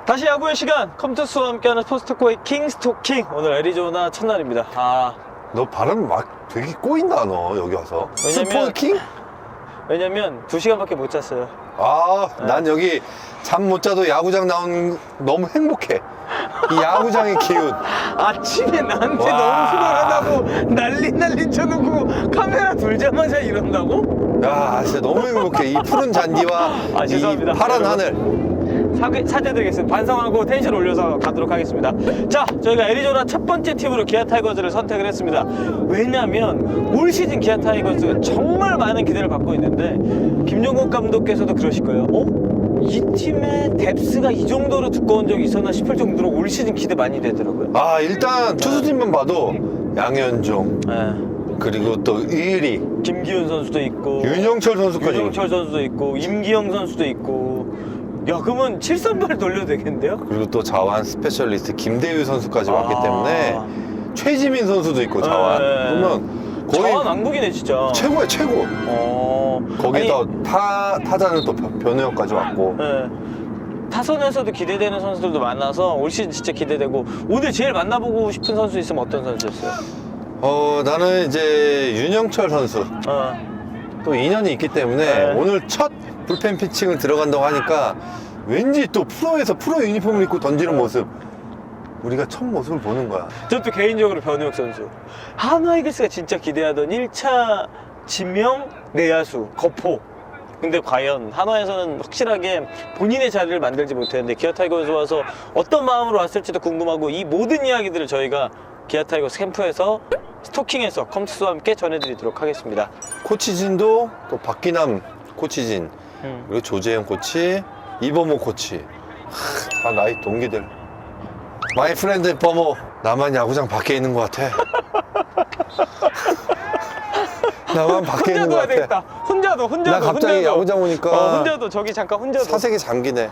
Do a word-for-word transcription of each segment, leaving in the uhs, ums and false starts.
다시 야구의 시간, 컴투스와 함께하는 스포츠토크의 킹 스토킹. 오늘 애리조나 첫날입니다. 아, 너 발음 막 되게 꼬인다 너 여기 와서. 왜냐면- 스포킹? 왜냐면 두 시간밖에 못 잤어요. 아, 난 여기 잠 못 자도 야구장 나오는 너무 행복해. 이 야구장의 기운. 아침에 나한테 와. 너무 피곤하다고 난리 난리 쳐놓고 카메라 돌자마자 이런다고? 야, 진짜 너무 행복해. 이 푸른 잔디와 아, 이 죄송합니다. 파란 여러분. 하늘. 사, 사죄드리겠습니다. 반성하고 텐션 올려서 가도록 하겠습니다. 자, 저희가 애리조나 첫 번째 팀으로 기아 타이거즈를 선택을 했습니다. 왜냐면 올 시즌 기아 타이거즈가 정말 많은 기대를 받고 있는데 김종국 감독께서도 그러실 거예요. 어? 이 팀의 뎁스가 이 정도로 두꺼운 적이 있었나 싶을 정도로 올 시즌 기대 많이 되더라고요. 아, 일단 투수진만 봐도 양현종, 네. 그리고 또 의리, 김기훈 선수도 있고 윤영철 선수까지. 윤영철 선수도 있고 임기영 선수도 있고. 야, 그러면 칠 선발 돌려도 되겠는데요? 그리고 또 자완 스페셜리스트 김대유 선수까지 왔기 아. 때문에 최지민 선수도 있고 자완. 네. 그러면 거의 자완 왕국이네 진짜. 최고야 최고. 어. 거기다 아니, 타 타자는 또 변- 변우혁까지 왔고. 예. 타선에서도 기대되는 선수들도 많아서 올 시즌 진짜 기대되고. 오늘 제일 만나보고 싶은 선수 있으면 어떤 선수였어요? 어, 나는 이제 윤영철 선수 어. 또 인연이 있기 때문에 네. 오늘 첫 불펜 피칭을 들어간다고 하니까 왠지 또 프로에서 프로 유니폼을 입고 던지는 모습, 우리가 첫 모습을 보는 거야. 저도 개인적으로 변우혁 선수. 한화 이글스가 진짜 기대하던 일 차 지명 내야수 거포. 근데 과연 한화에서는 확실하게 본인의 자리를 만들지 못했는데 기아 타이거즈 와서 어떤 마음으로 왔을지도 궁금하고, 이 모든 이야기들을 저희가 기아 타이거즈 캠프에서 스토킹에서 컴투스와 함께 전해드리도록 하겠습니다. 코치진도 또 박기남 코치진, 음. 그리고 조재현 코치, 이범호 코치. 하, 다 나이 동기들. 마이 프렌드 범호. 나만 야구장 밖에 있는 것 같아. 나만 밖에 있는 혼자도 것 해야 같아. 되겠다. 혼자도 혼자도 나 갑자기 혼자도. 야구장 오니까 어, 혼자도 저기 잠깐 혼자도. 사색이 잠기네.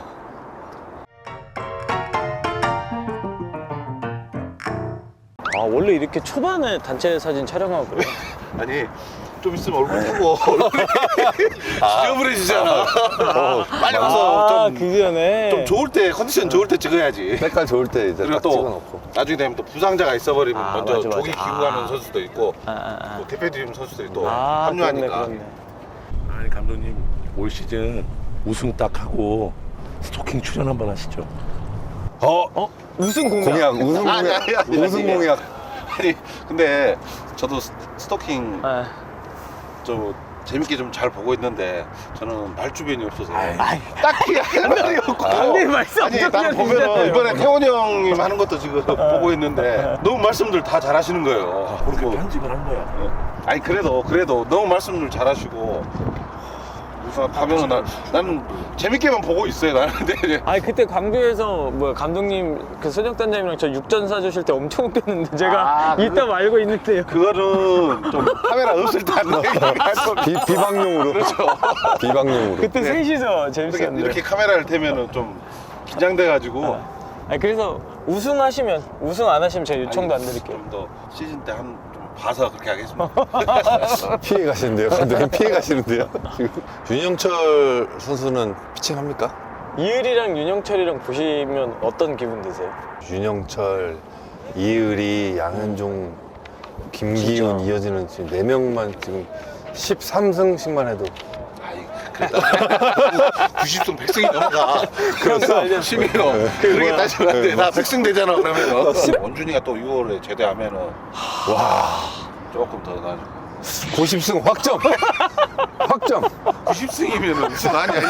아, 원래 이렇게 초반에 단체 사진 촬영하고 그래요? 아니 좀 있으면 얼굴 보고 얼굴이 지저분해지잖아. 어, 빨리 와서 아, 좀, 그 전에 좀 좋을 때 컨디션 좋을 때 찍어야지. 색깔 좋을 때 이제 그리고 딱 또 찍어놓고. 나중에 되면 또 부상자가 있어버리면 아, 먼저 맞아, 맞아. 조기 기구 아. 가는 선수도 있고 아, 아, 아. 또 대표팀 선수들이 또 아, 합류하니까. 그렇네, 그렇네. 아니 감독님 올 시즌 우승 딱 하고 스토킹 출연 한번 하시죠. 어, 어? 우승 공약. 공약, 우승 아니, 공약, 아니, 아니, 우승 아니. 공약. 아니 근데 저도 스- 스토킹 아, 좀 재밌게 좀 잘 보고 있는데 저는 말주변이 없어서 아이, 딱히 할 말이 없고. 강대의 말씀 아니 엄청 딱 보면은 잘해주잖아요. 이번에 태원 형님 하는 것도 지금 보고 있는데 너무 말씀들 다 잘하시는 거예요. 그리고 편집을 한 거야. 아니 그래도 그래도 너무 말씀들 잘하시고 우선 가면은 난, 나는 재밌게만 보고 있어요. 나는 근데 아니, 그때 광주에서 뭐 감독님 그 소정단장님이랑 저 육전 사주실 때 엄청 웃겼는데 제가 아, 이따 말고 있는데요. 그거는 좀 카메라 없을 때 하는 얘기가 좀 비, 비방용으로. 그렇죠. 비방용으로. 그때 네. 셋이서 이렇게, 재밌었는데. 이렇게 카메라를 대면은 좀 긴장돼가지고 아니, 그래서 우승하시면, 우승 안 하시면 제가 요청도 안 드릴게요. 좀 더 시즌 때 한 좀 봐서 그렇게 하겠습니다. 피해 가시는데요. 감독님 피해 가시는데요. 지금 윤영철 선수는 피칭합니까? 이을이랑 윤영철이랑 보시면 어떤 기분 드세요? 윤영철, 이의리, 양현종, 김기훈 진짜. 이어지는 지금 네 명만 지금 십삼 승씩만 해도 아이 그래도 구십 승 백 승이 넘어가. 그렇죠. 심해요. 그렇게 따지면 안 돼. 나 백 승 되잖아 그러면. 원준이가 또 유월에 제대하면은 와 조금 더 나아지고. 구십 승 확정. 확정. 구십 승이면은 무슨 아니 아니야.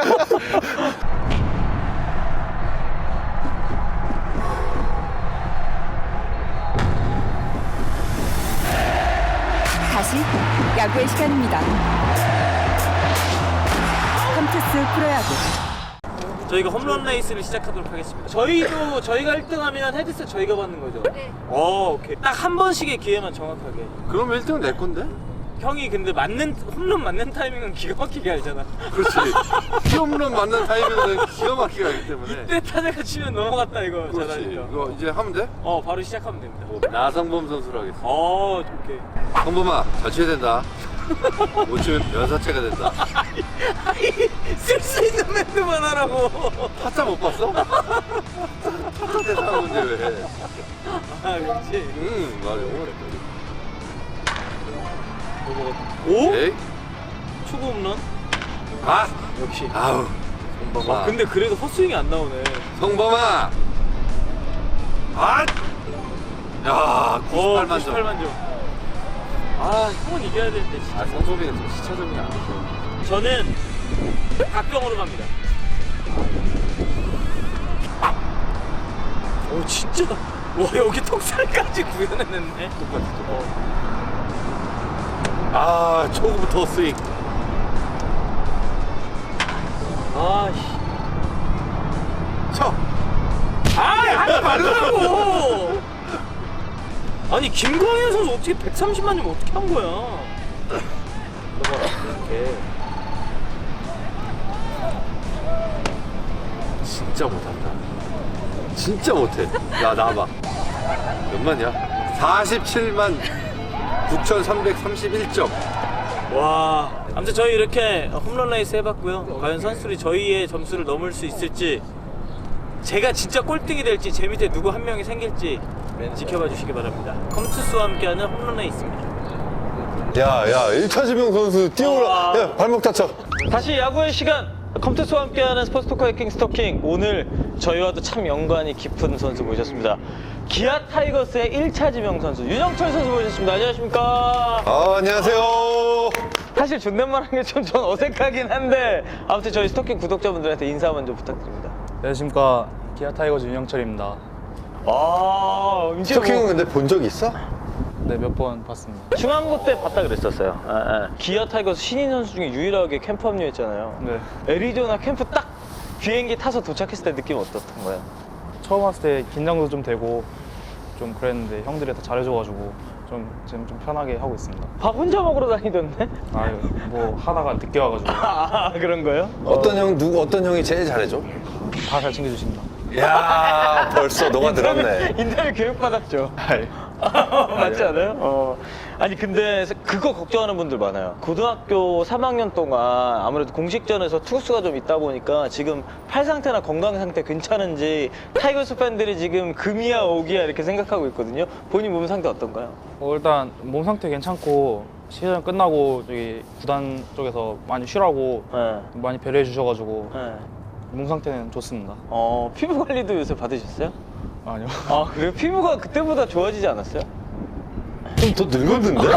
다시 야구의 시간입니다. 컴투스 프로야구. 저희가 홈런 레이스를 시작하도록 하겠습니다. 저희도 저희가 일 등 하면 헤드셋 저희가 받는 거죠? 네. 어, 오케이. 딱 한 번씩의 기회만 정확하게. 그럼 일 등은 내 건데? 형이 근데 맞는 홈런 맞는 타이밍은 기가 막히게 알잖아. 그렇지. 홈런 맞는 타이밍은 기가 막히게 하기 때문에. 이때 타자가 치면 넘어갔다 이거. 그렇지. 잘하니까. 이거 이제 하면 돼? 어, 바로 시작하면 됩니다. 나성범 선수로 하겠습니다. 어, 오케이. 성범아, 잘 쳐야 된다. 못 치면 연사체가 된다. 쓸 수 있는 멘트만 하라고. 타짜 못 봤어? 타짜 대사하는데 왜? 아, 그렇지. 응, 맞아. 오? 에이? 초보 홈런? 아! 역시. 아우, 성범아. 아, 근데 그래도 헛스윙이 안 나오네. 성범아! 아! 야, 구십팔만 점. 구십팔만 점. 아, 형은 이겨야 되는데, 진짜. 아, 성소비는 좀 시차점이 안 돼. 저는 박병호로 갑니다. 오, 진짜. 와, 여기 턱살까지 구현해냈네. 똑같아, 똑같아. 아, 초구부터 스윙. 아, 씨. 쳐! 아, 하지 말라고! 아니, 김광현 선수 어떻게 백삼십만 점 어떻게 한 거야? 넘어라, 이렇게. 진짜 못한다. 진짜 못해. 야, 나와봐. 몇 만이야? 사십칠만 구천삼백삼십일 점. 와. 아무튼 저희 이렇게 홈런 레이스 해봤고요. 과연 선수들이 저희의 점수를 넘을 수 있을지, 제가 진짜 꼴등이 될지, 제 밑에 누구 한 명이 생길지 지켜봐 주시기 바랍니다. 컴투스와 함께하는 홈런 레이스입니다. 야, 야, 일 차 지명 선수 뛰어올라. 아. 야, 발목 다쳐. 다시 야구의 시간! 컴투스와 함께하는 스포츠 토커의 킹 스토킹. 오늘 저희와도 참 연관이 깊은 선수 모셨습니다. 기아 타이거스의 일 차 지명 선수 윤영철 선수 모셨습니다. 안녕하십니까? 아, 안녕하세요. 사실 존댓말 하는 게 좀 전 어색하긴 한데, 아무튼 저희 스토킹 구독자분들한테 인사 먼저 부탁드립니다. 안녕하십니까. 기아 타이거즈 윤영철입니다. 아, 이제 스토킹은 근데 본 적 있어? 네, 몇 번 봤습니다. 중앙고 때 봤다 그랬었어요. 아, 아. 기아 타이거스 신인 선수 중에 유일하게 캠프 합류했잖아요. 네. 애리조나 캠프 딱 비행기 타서 도착했을 때 느낌 어떻던 거예요? 처음 왔을 때 긴장도 좀 되고 좀 그랬는데 형들이 다 잘해줘가지고 좀 지금 좀 편하게 하고 있습니다. 밥 혼자 먹으러 다니던데? 아유, 뭐 하다가 늦게 와가지고 아, 그런 거요? 어떤 형, 누구, 어떤 형이 제일 잘해줘? 다 잘 챙겨주십니다. 야, 벌써 너가 들었네. 인터뷰 교육 받았죠. 아이, 맞지 않아요? 어. 아니 근데 그거 걱정하는 분들 많아요. 고등학교 삼 학년 동안 아무래도 공식전에서 투수가 좀 있다 보니까 지금 팔 상태나 건강 상태 괜찮은지 타이거스 팬들이 지금 금이야 오기야 이렇게 생각하고 있거든요. 본인 몸 상태 어떤가요? 뭐 일단 몸 상태 괜찮고 시즌 끝나고 저기 구단 쪽에서 많이 쉬라고 네. 많이 배려해 주셔가지고 네. 몸 상태는 좋습니다. 어, 피부 관리도 요새 받으셨어요? 아니요. 아, 그래요? 피부가 그때보다 좋아지지 않았어요? 좀 더 늙었는데?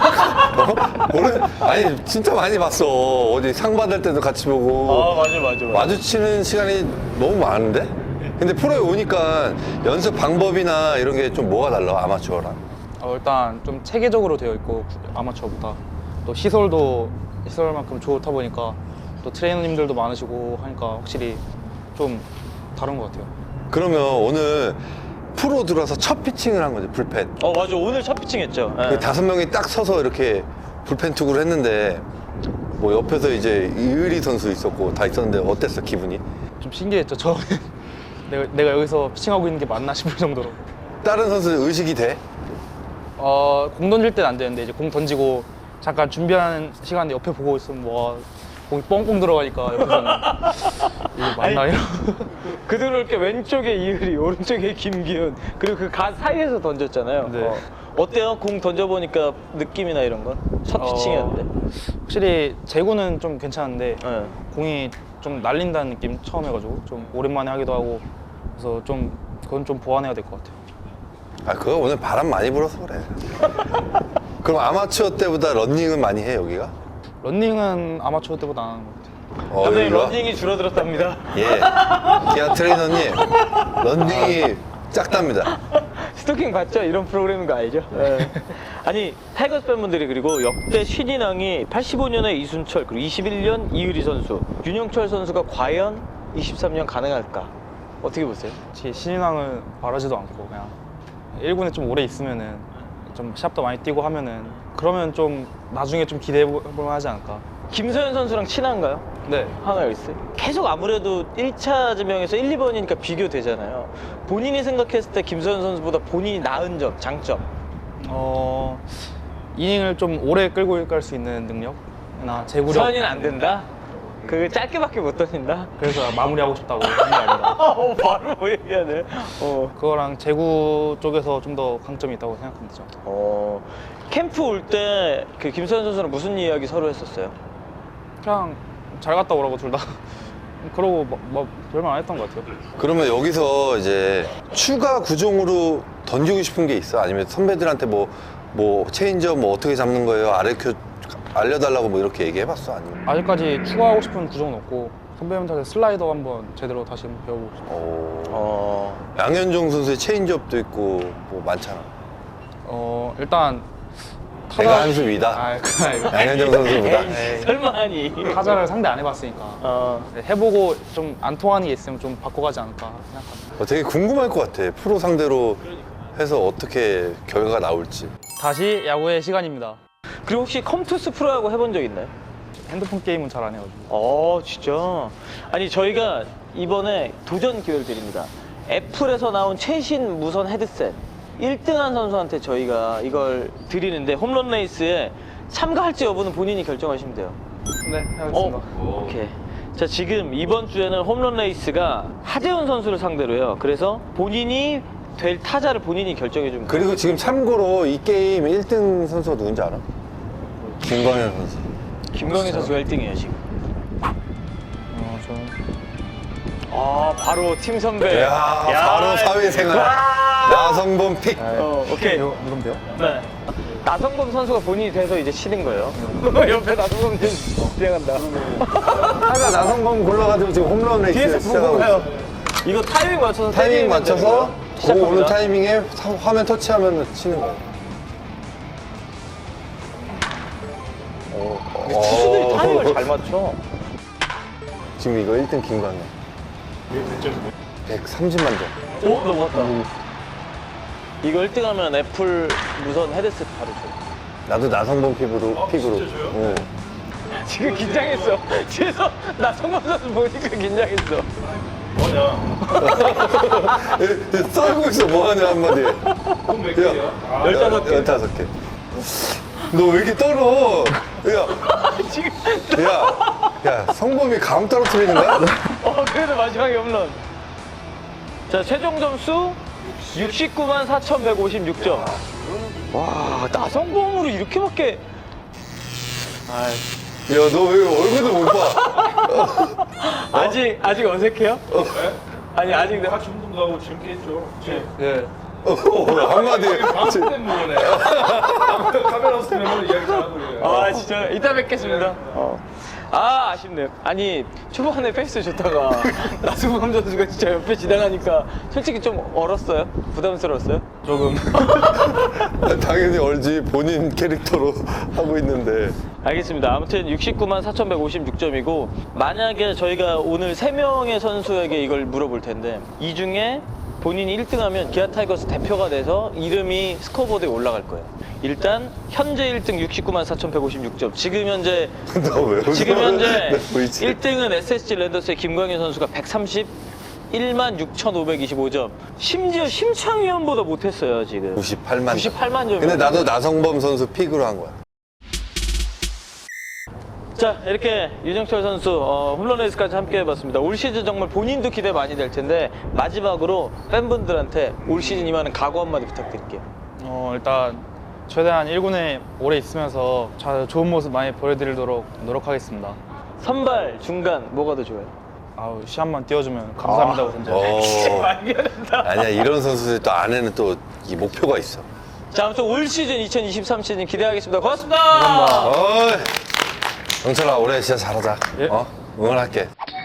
어? 오래, 아니, 진짜 많이 봤어. 어디 상 받을 때도 같이 보고. 아, 맞아, 맞아, 맞아. 마주치는 시간이 너무 많은데? 근데 프로에 오니까 연습 방법이나 이런 게 좀 뭐가 달라, 아마추어랑? 어, 일단 좀 체계적으로 되어 있고 아마추어보다 또 시설도 시설만큼 좋다 보니까 또 트레이너님들도 많으시고 하니까 확실히 좀 다른 것 같아요. 그러면 오늘 프로 들어와서 첫 피칭을 한 거지, 불펜. 어, 맞아. 오늘 첫 피칭 했죠. 네. 그 다섯 명이 딱 서서 이렇게 불펜 투구를 했는데 뭐 옆에서 이제 이의리 선수 있었고 다 있었는데 어땠어, 기분이? 좀 신기했죠. 처음에 내가, 내가 여기서 피칭하고 있는 게 맞나 싶을 정도로. 다른 선수 의식이 돼? 어, 공 던질 때는 안 되는데 이제 공 던지고 잠깐 준비하는 시간에 옆에 보고 있으면 뭐 공이 뻥뻥 들어가니까 옆에서는 이게 맞나 이런. 그들을게 왼쪽에 이을이, 오른쪽에 김기훈, 그리고 그 가 사이에서 던졌잖아요. 네. 어. 어때요? 공 던져보니까 느낌이나 이런 건? 첫 피칭이었는데? 어, 확실히 제구는 좀 괜찮은데 네. 공이 좀 날린다는 느낌 처음 해가지고 좀 오랜만에 하기도 하고 그래서 좀 그건 좀 보완해야 될 것 같아요. 아, 그거 오늘 바람 많이 불어서 그래. 그럼 아마추어 때보다 런닝은 많이 해, 여기가? 런닝은 아마추어 때보다 안 하는 것 같아요. 어, 감독님 여기가? 런닝이 줄어들었답니다. 예. 기아 트레이너님, 런닝이 작답니다. 스토킹 봤죠? 이런 프로그램인 거 알죠? 네. 아니 타이거스 팬분들이 그리고 역대 신인왕이 팔십오 년에 이순철, 그리고 이십일 년 이의리 선수, 윤영철 선수가 과연 이십삼 년 가능할까? 어떻게 보세요? 제 신인왕을 바라지도 않고 그냥 일 군에 좀 오래 있으면은 좀 시합도 많이 뛰고 하면은 그러면 좀 나중에 좀 기대해 볼 만하지 않을까. 김서현 선수랑 친한가요? 네. 하나 있어요. 계속 아무래도 일 차 지명에서 일, 이 번이니까 비교되잖아요. 본인이 생각했을 때 김서현 선수보다 본인이 나은 점, 장점. 어 이닝을 좀 오래 끌고 갈 수 있는 능력이나 제구력. 서현이는 안 된다? 그 짧게밖에 못 던진다? 그래서 마무리하고 싶다고 한 게 아닌가. 어, 바로 뭐 얘기하네. 어. 그거랑 제구 쪽에서 좀 더 강점이 있다고 생각합니다. 저는. 어. 캠프 올 때 그 김서현 선수랑 무슨 이야기 서로 했었어요? 그냥 잘 갔다 오라고 둘 다. 그러고 뭐, 뭐 별말 안 했던 것 같아요. 그러면 여기서 이제 추가 구종으로 던지고 싶은 게 있어? 아니면 선배들한테 뭐, 뭐 체인지업 뭐 어떻게 잡는 거예요? 알려켜, 알려달라고 뭐 이렇게 얘기해봤어? 아니면? 아직까지 추가하고 싶은 구종은 없고 선배님한테 슬라이더 한번 제대로 다시 한번 배워보고 싶어요. 어... 어. 양현종 선수의 체인지업도 있고 뭐 많잖아. 어 일단 내가 한수 위다. 아, 그 아니고. 양현종 선수보다. 에이, 설마 하니. 타자를 상대 안 해봤으니까 어. 해보고 좀 안 통하는 게 있으면 좀 바꿔가지 않을까 생각합니다. 어, 되게 궁금할 것 같아. 프로 상대로 해서 어떻게 결과가 나올지. 다시 야구의 시간입니다. 그리고 혹시 컴투스 프로야구 해본 적 있나요? 핸드폰 게임은 잘 안 해가지고. 어, 진짜. 아니, 저희가 이번에 도전 기회를 드립니다. 애플에서 나온 최신 무선 헤드셋 일 등한 선수한테 저희가 이걸 드리는데 홈런 레이스에 참가할지 여부는 본인이 결정하시면 돼요. 네, 해보겠습니다. 어, 오케이. 자, 지금 이번 주에는 홈런 레이스가 하재훈 선수를 상대로요. 그래서 본인이 될 타자를 본인이 결정해 줍니다. 그리고 지금 참고로 이 게임 일 등 선수가 누군지 알아? 김광현 선수. 김광희 선수가 일 등이에요, 지금. 어, 저는 아, 바로 팀 선배. 야, 바로 사회생활. 나성범 픽. 어, 오케이. 이거 이건 돼요? 네. 나성범 선수가 본인이 돼서 이제 치는 거예요. 옆에 나성범 지금 진행한다. 타자 나성범 골라가지고 지금 홈런 레이스 뒤에서 보고 시작하고 가요. 있어. 이거 타이밍 맞춰서 타이밍 때리면 맞춰서 되고요. 그 시작합니다. 오는 타이밍에 사- 화면 터치하면 치는 거예요. 어, 투수들이 어. 타이밍을 잘 맞춰. 지금 이거 일 등 김광현. 백삼십만 점. 오, 넘어갔다. 이거 일 등 하면 애플 무선 헤드셋 바로 줘. 나도 나성범 픽으로. 픽으로. 응. 지금 긴장했어. 뒤에서 나성범 선수 보니까 긴장했어. 썰고 있어 뭐하냐 한마디. 야, 열다섯 개. 열다섯 개. 너 왜 이렇게 떨어? 야, 지금. 야, 야, 성범이 감 떨어뜨리는 거야? 어, 그래도 마지막에 홈런. 자, 최종 점수 육십구만 사천백오십육 점. 와, 나성범으로 이렇게밖에. 아이. 야, 너 왜 얼굴도 못 봐? 아직, 아직 어색해요? 아니, 아직. 내가 같이 운동 가고 재밌겠죠. 예. 어, 한마디. 방송 때문에 카메라 없으면 이야기 잘하고 그래요. 아, 진짜. 이따 뵙겠습니다. 어. 아, 아쉽네요. 아니, 초반에 페이스 좋다가 나승범 선수가 진짜 옆에 지나가니까 솔직히 좀 얼었어요? 부담스러웠어요? 조금. 당연히 얼지 본인 캐릭터로 하고 있는데. 알겠습니다. 아무튼 육십구만 사천백오십육 점이고 만약에 저희가 오늘 세 명의 선수에게 이걸 물어볼 텐데 이 중에 본인이 일 등 하면 기아 타이거스 대표가 돼서 이름이 스코어보드에 올라갈 거예요. 일단 현재 일 등 육십구만 사천백오십육 점. 지금 현재 너 왜 웃어? 지금 현재 나 보이지? 일 등은 에스에스지 랜더스의 김광현 선수가 백삼십일만 육천오백이십오 점. 심지어 심창위원보다 못했어요, 지금. 구십팔만. 구십팔만 점. 근데 나도 나성범 선수 픽으로 한 거야. 자, 이렇게 유정철 선수 어, 홈런 레이스까지 함께 해봤습니다. 올 시즌 정말 본인도 기대 많이 될 텐데 마지막으로 팬분들한테 올 시즌 임하는 각오 한마디 부탁드릴게요. 어 일단 최대한 일 군에 오래 있으면서 잘 좋은 모습 많이 보여드리도록 노력하겠습니다. 선발, 중간 뭐가 더 좋아요? 아우 시합만 띄워주면 감사합니다고 던져요. 어. 알겠다. 아니야, 이런 선수들 또 안에는 또 이 목표가 있어. 자, 아무튼 올 시즌 이천이십삼 시즌 기대하겠습니다. 고맙습니다. 어이, 영철아, 올해 진짜 잘하자. 예. 어? 응원할게.